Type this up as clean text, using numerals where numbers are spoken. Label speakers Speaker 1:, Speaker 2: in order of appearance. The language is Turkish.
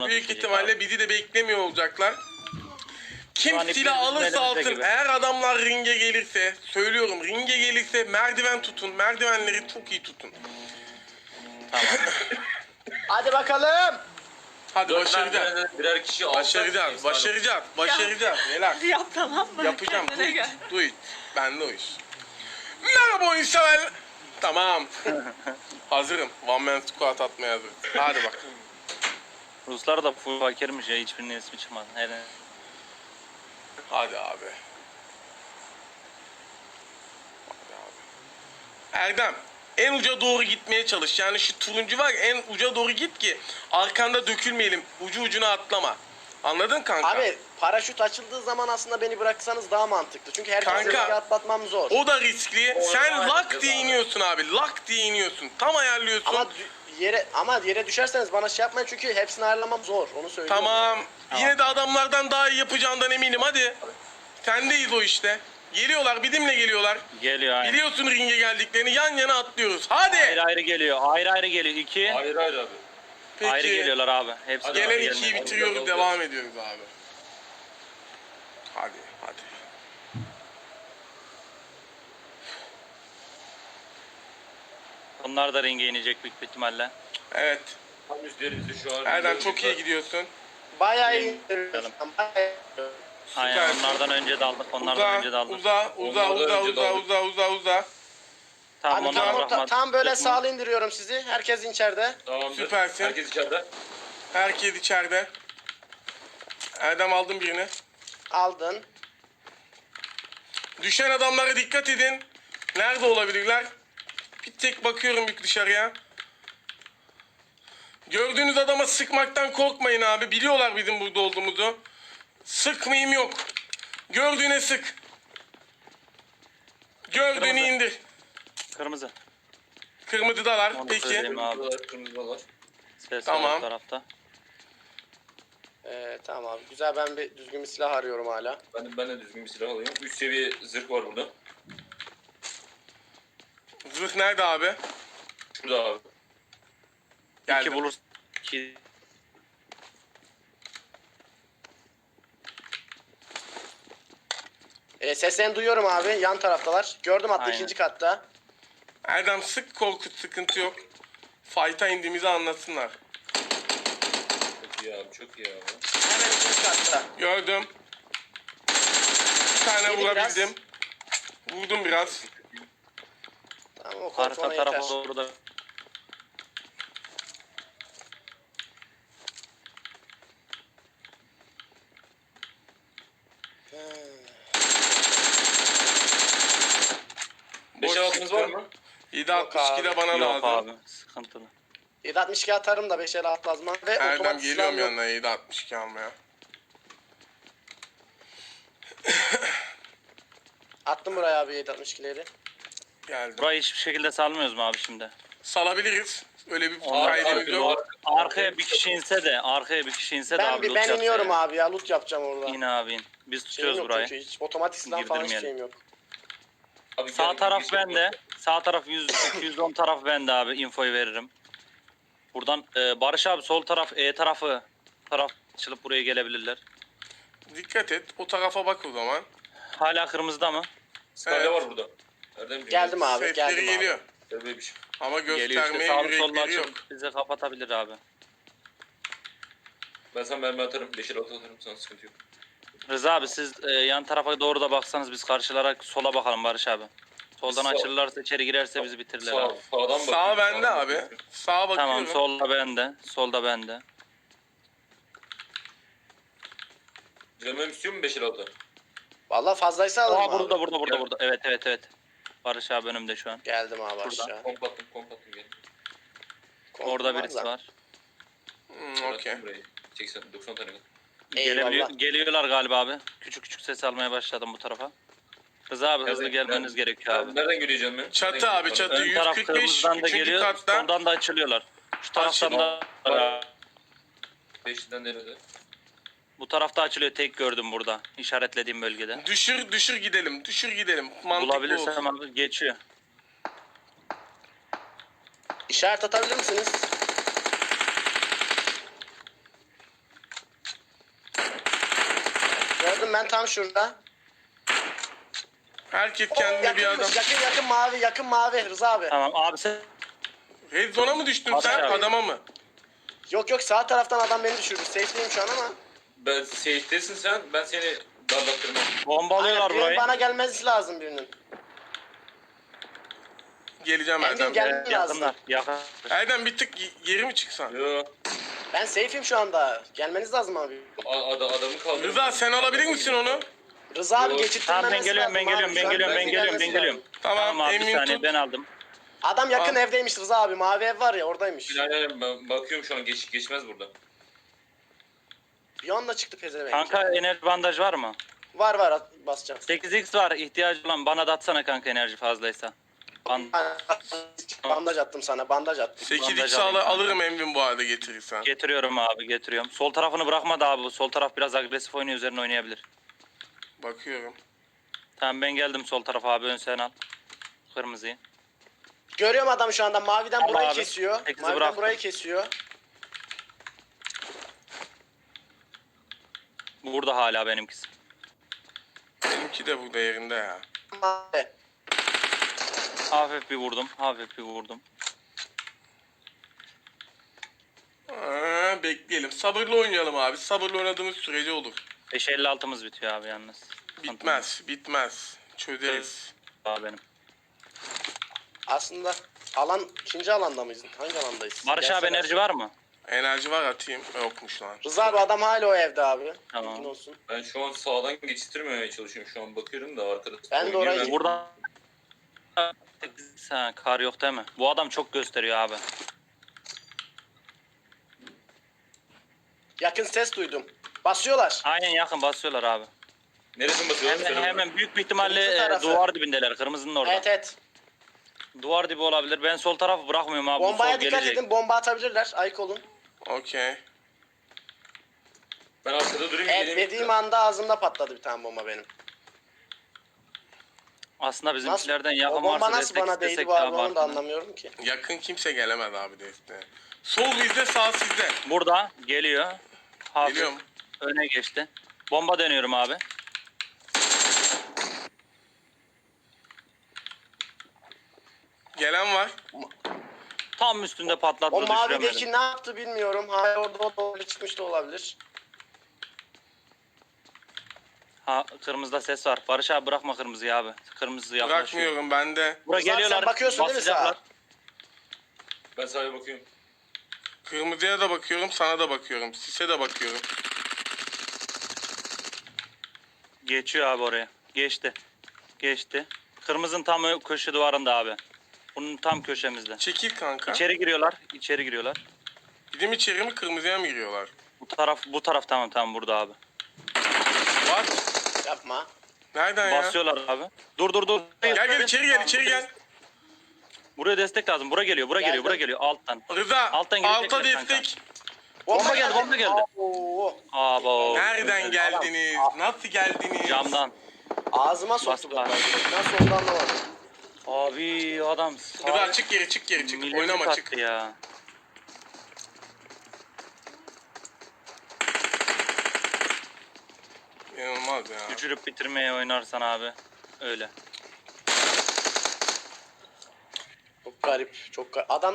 Speaker 1: Büyük ihtimalle bizi de beklemiyor olacaklar. Kim
Speaker 2: an
Speaker 1: silah
Speaker 2: hepimizin
Speaker 1: alırsa
Speaker 2: elimizde
Speaker 1: alsın,
Speaker 2: gibi.
Speaker 1: eğer adamlar ringe gelirse, söylüyorum ringe gelirse merdiven tutun, merdivenleri çok iyi tutun.
Speaker 2: Tamam.
Speaker 3: Hadi bakalım.
Speaker 1: Hadi başaracağız.
Speaker 4: Birer kişi alsak
Speaker 1: Başaracağız,
Speaker 4: efsane.
Speaker 1: başaracağız, başaracağız. Relax.
Speaker 5: Yap tamam mı?
Speaker 1: Yapacağım,
Speaker 5: Kendine
Speaker 1: do it,
Speaker 5: gel.
Speaker 1: do it. Ben de o iş. Merhaba oyun sever. Tamam. Hazırım. One man squat atmaya hazırım. Hadi bak.
Speaker 2: Ruslar da full fakirmiş ya, hiçbirinin ismi çıkmadı. Hele.
Speaker 1: Hadi abi. Hadi abi. Erdem, en uca doğru gitmeye çalış. Yani şu turuncu var, en uca doğru git ki arkanda dökülmeyelim. Ucu ucuna atlama. Anladın kanka?
Speaker 3: Abi paraşüt açıldığı zaman aslında beni bıraksanız daha mantıklı. Çünkü herkese
Speaker 1: Kanka,
Speaker 3: riske atlatmam zor.
Speaker 1: o da riskli. Sen
Speaker 4: aynen,
Speaker 1: lak diye
Speaker 4: abi.
Speaker 1: iniyorsun abi. Lak diye iniyorsun. Tam ayarlıyorsun.
Speaker 3: Ama yere düşerseniz bana şey yapmayın çünkü hepsini ayarlamam zor. Onu söylüyorum.
Speaker 1: Tamam. Yine de adamlardan daha iyi yapacağından eminim. Hadi. Sendeyiz o işte. Geliyorlar. Bizimle geliyorlar.
Speaker 2: Geliyor aynen.
Speaker 1: Biliyorsun ringe geldiklerini. Yan yana atlıyoruz. Hadi.
Speaker 2: Ayrı ayrı geliyor. Ayrı ayrı geliyor. İki.
Speaker 4: Hayır abi.
Speaker 1: Peki.
Speaker 2: Ayrı geliyorlar abi. Hepsi
Speaker 4: Hadi
Speaker 1: Gelen
Speaker 4: abi,
Speaker 2: gelmiyor.
Speaker 1: ikiyi bitiriyoruz.
Speaker 4: Hadi.
Speaker 1: Devam ediyoruz abi. Hadi. Hadi.
Speaker 2: Onlar da ringe inecek büyük bir ihtimalle.
Speaker 1: Evet.
Speaker 4: Tam üstlerimizde şu an.
Speaker 1: Erdem çok iyi gidiyorsun.
Speaker 3: Bayağı iyi.
Speaker 2: Aynen,
Speaker 1: Süper.
Speaker 2: onlardan önce de aldık. Onlardan önce de aldık.
Speaker 1: Uza.
Speaker 2: Tamam,
Speaker 3: Hadi
Speaker 2: onlar bırakmadı.
Speaker 3: tam böyle
Speaker 2: Tutma.
Speaker 3: sağlı indiriyorum sizi. Herkes içeride.
Speaker 4: Tamamdır.
Speaker 1: Süpersin.
Speaker 4: Herkes içeride.
Speaker 1: Herkes içeride. Erdem aldın birini.
Speaker 3: Aldın.
Speaker 1: Düşen adamlara dikkat edin. Nerede olabilirler? Bir tek bakıyorum bir dışarıya. Gördüğünüz adama sıkmaktan korkmayın abi. Biliyorlar bizim burada olduğumuzu. Sıkmayayım yok. Gördüğüne sık. Gördüğünü
Speaker 2: Kırmızı.
Speaker 1: indir.
Speaker 2: Kırmızı.
Speaker 1: Kırmızıdalar.
Speaker 2: Onu
Speaker 1: Peki.
Speaker 2: söyleyeyim. Abi.
Speaker 4: Kırmızılar.
Speaker 2: Ses
Speaker 1: Tamam.
Speaker 2: var bu tarafta.
Speaker 3: Tamam abi. Güzel, ben bir düzgün bir silah arıyorum hala.
Speaker 4: Ben de düzgün bir silah alayım. 3 seviye zırh var burada.
Speaker 1: Zırh nerede abi?
Speaker 4: Şurada abi.
Speaker 2: İki
Speaker 1: Geldim.
Speaker 2: bulur. İki.
Speaker 3: Seslerini duyuyorum abi. Yan taraftalar. Gördüm hatta
Speaker 2: Aynen.
Speaker 3: ikinci katta.
Speaker 1: Erdem sık, korkut, sıkıntı yok. Fight'a indiğimizi anlatsınlar.
Speaker 4: Çok iyi abi. Çok iyi abi.
Speaker 3: Hemen ikinci katta.
Speaker 1: Gördüm. Bir tane
Speaker 3: Yedi
Speaker 1: vurabildim. Vurdum biraz.
Speaker 3: Tamam, o
Speaker 2: Arka
Speaker 3: kontrolüne yeter.
Speaker 2: tarafa doğru da.
Speaker 4: Beş altınız var mı?
Speaker 1: 7.62 de bana
Speaker 2: Yok
Speaker 1: lazım.
Speaker 2: abi. Sıkıntılı.
Speaker 3: 7.62 atarım da 5 el atmazma. Ve
Speaker 1: Erdem
Speaker 3: otomatik
Speaker 1: geliyorum
Speaker 3: silahım yok.
Speaker 1: yanına 7.62 almaya.
Speaker 3: Attım buraya abi 7.62'leri.
Speaker 1: Geldim.
Speaker 2: Burayı hiçbir şekilde salmıyoruz mu abi şimdi?
Speaker 1: Salabiliriz. Öyle bir
Speaker 2: Onlar
Speaker 1: kaydımız
Speaker 4: abi,
Speaker 1: yok.
Speaker 2: Arkaya bir kişi inse de, arkaya bir kişi inse de abi. loot
Speaker 3: Ben
Speaker 2: yapsa
Speaker 3: iniyorum
Speaker 2: ya.
Speaker 3: abi ya, loot yapacağım orada.
Speaker 2: İn abi in. Biz
Speaker 3: Şeyim
Speaker 2: tutuyoruz
Speaker 3: yok
Speaker 2: burayı.
Speaker 3: çünkü, hiç otomatik silah falan hiç
Speaker 2: Girdirmeyelim.
Speaker 3: şeyim yok.
Speaker 4: Abi,
Speaker 2: Sağ
Speaker 4: gel,
Speaker 2: taraf
Speaker 4: gel,
Speaker 2: bende. Sağ taraf 210 taraf bende abi. Infoyu veririm. Buradan Barış abi sol taraf taraf açılıp buraya gelebilirler.
Speaker 1: Dikkat et. O tarafa bak o zaman.
Speaker 2: Hala kırmızıda mı?
Speaker 4: Skala
Speaker 1: Evet.
Speaker 4: var burada. Erdemciğim.
Speaker 3: Geldim abi,
Speaker 1: Sesleri
Speaker 3: geldim
Speaker 1: geliyor.
Speaker 3: abi.
Speaker 4: Gel bebiş.
Speaker 1: Ama
Speaker 2: Geliyor işte,
Speaker 1: göstermeye
Speaker 2: sağlı sollu
Speaker 1: yürekleri yok.
Speaker 2: açıp bize kapatabilir abi.
Speaker 4: Ben sana mermi atarım. 5 altı atarım. Sana sıkıntı yok.
Speaker 2: Rıza abi siz yan tarafa doğru da baksanız biz karşılara sola bakalım Barış abi. Soldan
Speaker 4: Sağ-
Speaker 2: açılırlarsa içeri girerse bizi bitirirler abi.
Speaker 4: Sağdan bakıyorum.
Speaker 1: Sağ bende
Speaker 4: sağdan
Speaker 1: abi.
Speaker 4: bakıyorum.
Speaker 1: Sağa bakıyorum.
Speaker 2: Tamam solda bende. Solda bende.
Speaker 4: Canım istiyor mu 5 altı?
Speaker 3: Valla fazlaysa alırım
Speaker 2: Aa
Speaker 3: abi.
Speaker 2: burada. Evet. Barış abi önümde şu an.
Speaker 3: Geldim abi
Speaker 2: Burada.
Speaker 3: aşağı.
Speaker 4: Kompattım gel.
Speaker 2: Orada birisi
Speaker 3: da.
Speaker 2: var.
Speaker 1: Okey.
Speaker 4: Burayı. 80 90 tane.
Speaker 3: Eyvallah.
Speaker 2: Geliyorlar galiba abi. Küçük ses almaya başladım bu tarafa. Rıza abi hızlı gelmeniz gerekiyor abi.
Speaker 4: Nereden göreceğim ben?
Speaker 1: Çatı
Speaker 4: Nereden
Speaker 1: abi,
Speaker 4: göreceğim?
Speaker 1: çatı.
Speaker 2: Ön taraf
Speaker 1: 145
Speaker 2: kırmızıdan da
Speaker 1: 3.
Speaker 2: geliyor,
Speaker 1: katta.
Speaker 2: soldan da açılıyorlar. Şu taraftan da
Speaker 4: Var. 5'den nerede?
Speaker 2: bu tarafta açılıyor, tek gördüm burada. İşaretlediğim bölgede.
Speaker 1: Düşür gidelim. Düşür gidelim. Mantıklı
Speaker 2: Bulabilirsem
Speaker 1: olsun.
Speaker 2: abi geçiyor.
Speaker 3: İşaret atabilir misiniz? Gördüm ben tam şurada.
Speaker 1: Herkes kendine bir adam.
Speaker 3: Yakınmış, yakın mavi Rıza abi.
Speaker 2: Tamam abi sen
Speaker 1: Red zone'a mı düştün
Speaker 2: Barış
Speaker 1: sen
Speaker 2: abi.
Speaker 1: adama mı?
Speaker 3: Yok sağ taraftan adam beni düşürdü. Safe'liyim şu an ama.
Speaker 4: Ben safe'desin sen. Ben seni darlattırmam.
Speaker 2: bombalıyorlar
Speaker 3: Aynen, birinin
Speaker 2: burayı.
Speaker 3: bana gelmesi lazım birinin.
Speaker 1: Geleceğim
Speaker 3: Engin
Speaker 1: Erdem.
Speaker 3: gel.
Speaker 2: Yakınlar. Yakın.
Speaker 1: Erdem bir tık geri mi çıksan?
Speaker 4: Yo.
Speaker 3: Ben safe'im şu anda. Gelmeniz lazım abi.
Speaker 4: Adamı kaldırdım.
Speaker 1: Rıza sen alabilir misin onu?
Speaker 3: Rıza abi
Speaker 4: Yok.
Speaker 3: geçittirmemesi
Speaker 2: Tamam ben geliyorum ben
Speaker 3: lazım
Speaker 2: geliyorum
Speaker 3: abi.
Speaker 2: ben
Speaker 3: Şu an
Speaker 2: geliyorum ben
Speaker 3: bize
Speaker 2: geliyorum ben
Speaker 3: gelmesi
Speaker 2: geliyorum.
Speaker 3: lazım.
Speaker 1: Tamam,
Speaker 2: abi bir
Speaker 1: Emin
Speaker 2: saniye
Speaker 1: tut.
Speaker 2: ben aldım.
Speaker 3: Adam yakın
Speaker 1: Al.
Speaker 3: evdeymiş Rıza abi. Mavi ev var ya oradaymış.
Speaker 4: Aynen ben bakıyorum şu an geçmez burada.
Speaker 3: Bir anda çıktı pezevenk.
Speaker 2: Kanka enerji bandaj var mı?
Speaker 3: Var basacağım.
Speaker 2: 8x var ihtiyacı olan bana da atsana kanka enerji fazlaysa.
Speaker 3: Bandaj attım sana bandaj attım.
Speaker 1: 8
Speaker 2: Bandaj
Speaker 1: x
Speaker 2: alayım kanka.
Speaker 1: alırım Emvin bu arada getirirsen.
Speaker 2: Getiriyorum abi getiriyorum. Sol tarafını bırakma da abi. Sol taraf biraz agresif oynuyor üzerine oynayabilir.
Speaker 1: Bakıyorum.
Speaker 2: Tamam ben geldim sol tarafa abi ön sen al. Kırmızıyı.
Speaker 3: Görüyorum adam şu anda maviden
Speaker 2: Tamam
Speaker 3: burayı
Speaker 2: abi.
Speaker 3: kesiyor.
Speaker 2: Sekizi
Speaker 3: Maviden
Speaker 2: bıraktım.
Speaker 3: burayı kesiyor.
Speaker 2: Burada hala benimkisi.
Speaker 1: Benimki de burada yerinde ya.
Speaker 3: Mavi.
Speaker 2: Hafif bir vurdum. Hafif bir vurdum.
Speaker 1: Bekleyelim. Sabırlı oynayalım abi. Sabırlı oynadığımız sürece olur.
Speaker 2: 5.56'mız bitiyor abi yalnız.
Speaker 1: Bitmez. Çözeriz.
Speaker 2: Abi benim.
Speaker 3: Aslında ikinci alanda mıyız? Hangi alandayız?
Speaker 2: Barış abi
Speaker 3: Gelsene.
Speaker 2: enerji var mı?
Speaker 1: Enerji var atayım. Yokmuş lan.
Speaker 3: Rıza abi adam hala o evde abi.
Speaker 2: Tamam.
Speaker 3: Bilgin olsun.
Speaker 4: Ben şu an sağdan geçiştirmemeye çalışıyorum. Şu an bakıyorum da arkada.
Speaker 3: Ben de
Speaker 4: oynuyor.
Speaker 3: orayı-
Speaker 2: Burada ha, kar yok değil mi? Bu adam çok gösteriyor abi.
Speaker 3: Yakın ses duydum. Basıyorlar.
Speaker 2: Aynen yakın basıyorlar abi.
Speaker 4: Neresine basıyorsun?
Speaker 2: Hemen büyük bir ihtimalle
Speaker 3: Kırmızı tarafı.
Speaker 2: duvar dibindeler. Kırmızının orada.
Speaker 3: Evet.
Speaker 2: Duvar dibi olabilir. Ben sol tarafı bırakmıyorum abi. Bu
Speaker 3: Bombaya
Speaker 2: sol
Speaker 3: dikkat
Speaker 2: gelecek.
Speaker 3: edin. Bomba atabilirler. Ayık olun.
Speaker 1: Okey.
Speaker 4: Ben arkada durayım.
Speaker 3: Evet
Speaker 4: geleyim.
Speaker 3: dediğim anda ağzımda patladı bir tane bomba benim.
Speaker 2: Aslında bizimkilerden
Speaker 3: O
Speaker 2: yakın
Speaker 3: bomba
Speaker 2: varsa
Speaker 3: nasıl
Speaker 2: destek
Speaker 3: bana değdi
Speaker 2: istesek
Speaker 3: bu abi
Speaker 2: daha
Speaker 3: onu da
Speaker 2: farklı.
Speaker 3: anlamıyorum ki.
Speaker 1: Yakın kimse gelemez abi desteğe. Sol bizde sağ sizde.
Speaker 2: Burada geliyor. Hafif
Speaker 1: Geliyorum.
Speaker 2: öne geçti. Bomba dönüyorum abi.
Speaker 1: Gelen var.
Speaker 2: Tam üstünde patlattı
Speaker 3: O
Speaker 2: düşüremedim.
Speaker 3: mavideki ne yaptı bilmiyorum. Hala orada o da çıkmış da olabilir.
Speaker 2: Ha, kırmızıda ses var. Barış abi bırakma kırmızıyı abi. Kırmızı yaklaşıyor.
Speaker 1: Bırakmıyorum ben de.
Speaker 2: Buraya
Speaker 3: Rıza, sen
Speaker 2: geliyorlar.
Speaker 3: bakıyorsun değil mi sağa?
Speaker 2: basacaklar.
Speaker 4: Ben sağa bakıyorum.
Speaker 1: Kırmızıya da bakıyorum, sana da bakıyorum. Sise de bakıyorum.
Speaker 2: Geçiyor abi oraya. Geçti. Geçti. Kırmızının tam köşe duvarında abi. Bunun tam köşemizde.
Speaker 1: Çekil kanka.
Speaker 2: İçeri giriyorlar. İçeri giriyorlar.
Speaker 1: Bizim içeri mi kırmızıya mı giriyorlar?
Speaker 2: Bu taraf tamam burada abi.
Speaker 1: Var.
Speaker 3: Yapma.
Speaker 1: Nereden ya?
Speaker 2: Basıyorlar abi. Dur.
Speaker 1: Gel içeri gel.
Speaker 2: Buraya destek lazım. Bura geliyor. Bura
Speaker 3: Geldim.
Speaker 2: geliyor alttan.
Speaker 1: Rıza
Speaker 2: Alttan gelecekler
Speaker 1: alta
Speaker 2: kanka.
Speaker 1: destek.
Speaker 2: Bomba geldi.
Speaker 3: Oo.
Speaker 2: Abo.
Speaker 1: Nereden geldiniz? Nasıl geldiniz?
Speaker 2: Camdan.
Speaker 3: Ağzıma soktu
Speaker 2: Bastılar.
Speaker 3: bombayı. Nasıl oldu anlamadım.
Speaker 2: Abi adam
Speaker 1: Rıza çık geri çık. Oynama çık.
Speaker 2: ya.
Speaker 1: İnanılmaz ya.
Speaker 2: Düşürüp bitirmeye oynarsan abi. Öyle.
Speaker 3: Çok garip. Adam